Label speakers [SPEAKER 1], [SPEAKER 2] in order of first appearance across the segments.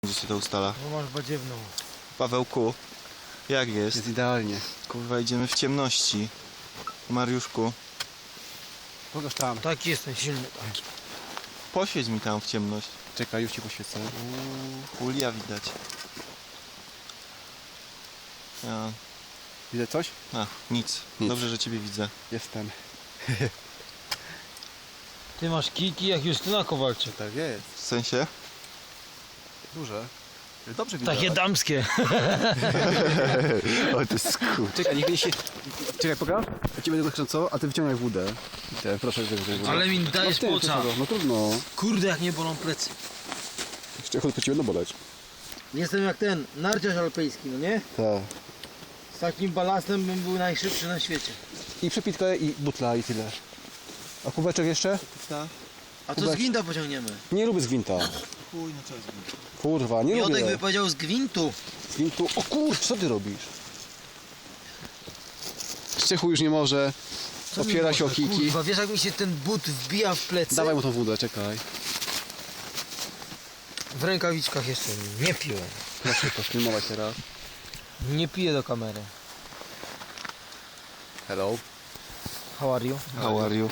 [SPEAKER 1] Gdzie się to ustala?
[SPEAKER 2] No masz badziewną.
[SPEAKER 1] Pawełku, jak jest?
[SPEAKER 3] Jest idealnie.
[SPEAKER 1] Kurwa, idziemy w ciemności. Mariuszku,
[SPEAKER 3] Pokaż tam.
[SPEAKER 2] Taki jestem silny.
[SPEAKER 1] poświeć mi tam w ciemność.
[SPEAKER 3] Czekaj, już ci poświecę.
[SPEAKER 1] Ulia widać. Ja,
[SPEAKER 3] Widzę coś?
[SPEAKER 1] nic.
[SPEAKER 3] Nic.
[SPEAKER 1] Dobrze, że ciebie widzę.
[SPEAKER 3] Jestem.
[SPEAKER 2] Ty masz kijki jak Justyna Kowalczyk.
[SPEAKER 3] Tak jest.
[SPEAKER 1] W sensie?
[SPEAKER 3] Duże. Dobrze widać.
[SPEAKER 2] Takie damskie.
[SPEAKER 1] O, to jest kur...
[SPEAKER 3] Czekaj, niech się... Czekaj, pokaż. Ja ci będę zakręcał, a ty wyciągaj wódę. I te, proszę, wyciągaj wódę.
[SPEAKER 2] Ale mi dajesz
[SPEAKER 3] ty,
[SPEAKER 2] płuca.
[SPEAKER 3] No trudno.
[SPEAKER 2] Kurde, jak nie bolą plecy.
[SPEAKER 3] Jeszcze chodź, po ciebie będą boleć.
[SPEAKER 2] Jestem jak ten narciarz alpejski, no nie?
[SPEAKER 3] Tak.
[SPEAKER 2] Z takim balastem bym był najszybszy na świecie.
[SPEAKER 3] I przepitkę i butla i tyle. A kubeczek jeszcze?
[SPEAKER 2] A co z
[SPEAKER 3] Kubek.
[SPEAKER 2] gwinta pociągniemy?
[SPEAKER 3] Nie lubię z gwinta.
[SPEAKER 1] Chuj, no co jest?
[SPEAKER 3] Kurwa, nie
[SPEAKER 2] Miodek
[SPEAKER 3] lubię.
[SPEAKER 2] by powiedział z gwintu.
[SPEAKER 3] Z gwintu. O kurcz, co ty robisz? Szczechu już nie może.
[SPEAKER 2] Co mi
[SPEAKER 3] Opiera się o
[SPEAKER 2] może?
[SPEAKER 3] kijki.
[SPEAKER 2] Kurwa, wiesz jak mi się ten but wbija w plecy?
[SPEAKER 3] Dawaj mu tą wódę, czekaj.
[SPEAKER 2] W rękawiczkach jeszcze nie piłem.
[SPEAKER 3] Proszę to filmować teraz.
[SPEAKER 2] Nie piję do kamery.
[SPEAKER 3] Hello.
[SPEAKER 2] How are you?
[SPEAKER 1] How are you?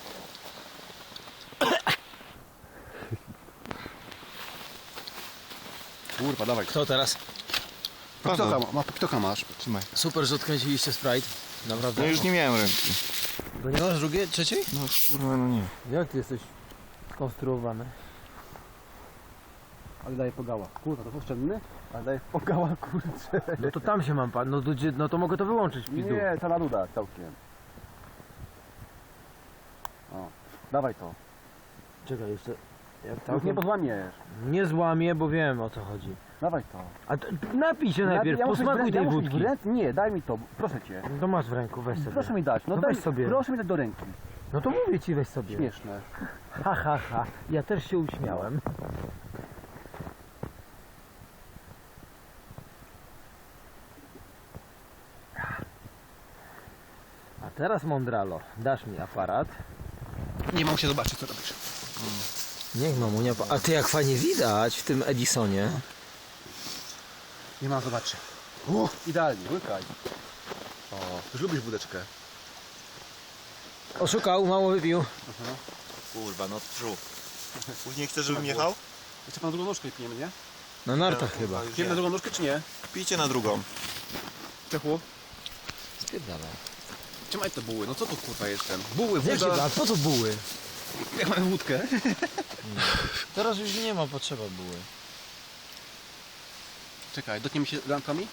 [SPEAKER 3] Kurwa, dawaj.
[SPEAKER 2] Kto teraz?
[SPEAKER 3] Kto masz?
[SPEAKER 1] Trzymaj.
[SPEAKER 2] Super, że odkręciliście Sprite. Naprawdę.
[SPEAKER 1] No już nie miałem ręki.
[SPEAKER 2] Bo nie masz drugiej, trzeciej?
[SPEAKER 1] No kurwa, no nie.
[SPEAKER 2] Jak ty jesteś skonstruowany?
[SPEAKER 3] Ale daje pogała. Kurwa, to oszczędny? Ale daje pogała, kurczę.
[SPEAKER 2] No to tam się mam pan, no to mogę to wyłączyć w pizdu.
[SPEAKER 3] Nie, ta naduda całkiem. O, dawaj to.
[SPEAKER 2] Czekaj jeszcze. Jak
[SPEAKER 3] Już
[SPEAKER 2] całkiem...
[SPEAKER 3] nie pozłamiesz.
[SPEAKER 2] Nie złamię, bo wiem o co chodzi.
[SPEAKER 3] Dawaj to.
[SPEAKER 2] A to, napij się najpierw, posmakuj tej wódki.
[SPEAKER 3] Nie, daj mi to, proszę cię.
[SPEAKER 2] No to masz w ręku, weź sobie.
[SPEAKER 3] Proszę mi dać, no
[SPEAKER 2] No
[SPEAKER 3] daj
[SPEAKER 2] weź sobie.
[SPEAKER 3] Proszę mi dać do ręki.
[SPEAKER 2] No to mówię ci, weź sobie.
[SPEAKER 3] Śmieszne.
[SPEAKER 2] Ha, ha, ha. Ja też się uśmiałem. A teraz mądralo, dasz mi aparat.
[SPEAKER 3] Nie mam się zobaczyć, co robisz.
[SPEAKER 2] Niech mamunia... A ty jak fajnie widać w tym Edisonie.
[SPEAKER 3] Nie mam zobaczy. Idealnie, łykaj. O, już lubisz wódeczkę.
[SPEAKER 2] Oszukał, mało wypił.
[SPEAKER 1] Kurwa, no trzu. Później chcesz, żebym jechał?
[SPEAKER 3] Jeszcze pan na drugą nóżkę pijemy, nie?
[SPEAKER 2] Na nartach chyba.
[SPEAKER 3] Pijemy na drugą nóżkę, czy nie?
[SPEAKER 1] Pijcie na drugą.
[SPEAKER 3] Czechu?
[SPEAKER 2] Spierdala.
[SPEAKER 3] Trzymaj te buły, no co to kurwa jestem? Buły,
[SPEAKER 2] Jak się
[SPEAKER 3] woda.
[SPEAKER 2] da? Po co buły?
[SPEAKER 3] Jak mamy wódkę?
[SPEAKER 2] Teraz już nie ma potrzeba buły.
[SPEAKER 3] Czekaj, dotkniemy się lampkami?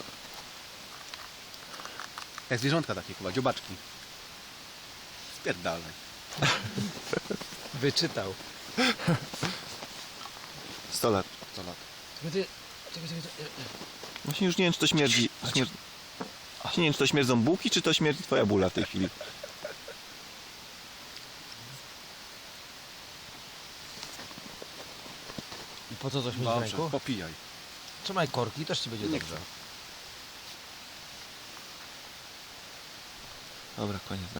[SPEAKER 3] Jak zwierzątka takie kurwa, dziobaczki. Spierdalaj.
[SPEAKER 2] Wyczytał.
[SPEAKER 1] 100 lat.
[SPEAKER 3] 100 lat.
[SPEAKER 2] Czekaj.
[SPEAKER 1] Właśnie już nie wiem, czy to śmierdzi. Właśnie nie wiem, czy to śmierdzą bułki, czy to śmierdzi twoja bula w tej chwili.
[SPEAKER 2] I po co coś mieć w
[SPEAKER 3] Dobrze,
[SPEAKER 2] ręku?
[SPEAKER 3] popijaj.
[SPEAKER 2] Trzymaj korki, też ci będzie
[SPEAKER 3] Nie
[SPEAKER 2] dobrze.
[SPEAKER 3] chcę.
[SPEAKER 1] Dobra, koniec.